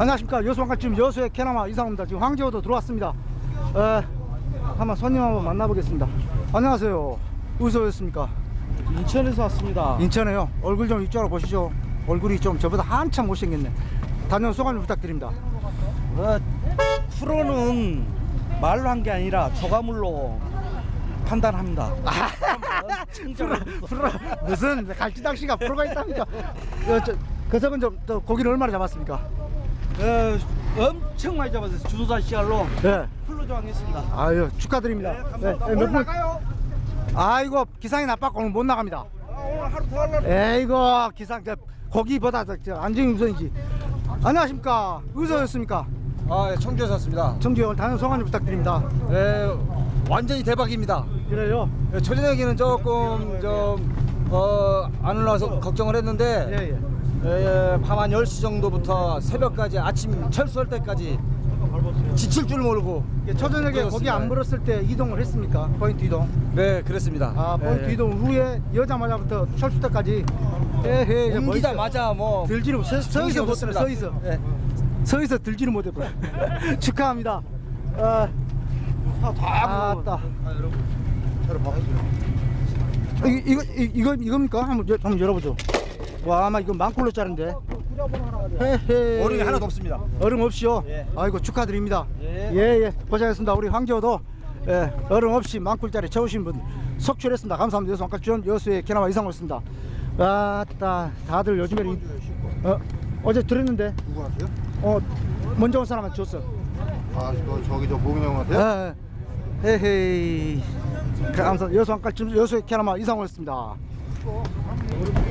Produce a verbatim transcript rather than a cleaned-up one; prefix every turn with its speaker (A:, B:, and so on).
A: 안녕하십니까. 여수왕가 지금 여수의 캐나마 이상호입니다. 지금 황제호도 들어왔습니다. 에, 한번 손님 한번 만나보겠습니다. 안녕하세요. 어디서 오셨습니까?
B: 인천에서 왔습니다.
A: 인천에요. 얼굴 좀 이쪽으로 보시죠. 얼굴이 좀 저보다 한참 못생겼네. 다녀온 소감 좀 부탁드립니다.
B: 어, 프로는 말로 한 게 아니라 조가물로 판단합니다.
A: 프로, 프로, 무슨 갈치낚시가 프로가 있답니까? 어, 저, 그 적은 좀, 또 고기를 얼마나 잡았습니까?
B: 어, 엄청 많이 잡았어요. 준사 씨알로
A: 네.
B: 풀로 조항했습니다.
A: 아유, 축하드립니다.
B: 네, 감사합니다.
A: 네,
B: 오늘
A: 몇 분-
B: 나가요?
A: 아이고, 기상이 나빠서 오늘 못 나갑니다.
B: 아, 오늘 하루 더 하려고.
A: 에이고, 기상, 저, 고기보다 저, 저 안정이 우선이지. 안녕하십니까? 어디서 오셨습니까?
C: 아, 예, 청주에서 왔습니다.
A: 정주에 오늘 다녀온 소감 좀 부탁드립니다.
C: 예, 완전히 대박입니다.
A: 그래요?
C: 예, 초저녁에는 조금 좀, 어, 안 올라와서 걱정을 했는데,
A: 예, 예.
C: 예, 밤 한 열 시 정도부터 새벽까지 아침 철수할 때까지 지칠 줄 모르고.
A: 이게 초저녁에 고기
C: 그렇습니다.
A: 안 물었을 때 이동을 했습니까? 포인트 이동.
C: 네, 그랬습니다.
A: 아, 포인트
C: 예,
A: 이동 후에 여자마자부터 철수 때까지. 에헤, 이제 뭐 있어요?
C: 옮기자마자 뭐.
A: 들지를 서, 서 있어 못 들어, 서 있어.
C: 예.
A: 서 있어 들지를 못했고요. 축하합니다. 아,
B: 다
A: 아따. 이, 이거 이, 이거 이겁니까? 한번 여, 한번 열어보죠. 와, 아마 이거 만 킬로짜리인데. 헤헤.
C: 얼음이 하나도 없습니다.
A: 얼음 없이요.
B: 예.
A: 아이고 축하드립니다.
B: 예.
A: 예, 예. 고생했습니다. 우리 황제호도 예, 얼음 없이 만 킬로짜리 채우신 분 속출했습니다. 감사합니다. 여수 왕갈주연 여수의 캐나마 이상호였습니다. 아따, 다들 요즘에 이- 어, 어제 들었는데
D: 누구 하세요?
A: 어 먼저 온 사람한테 줬어.
D: 아, 저, 저기 저 보균 형 같아요?
A: 예, 예. 헤헤이. 감사합니다. 여수 왕갈주연 여수의 캐나마 이상호였습니다.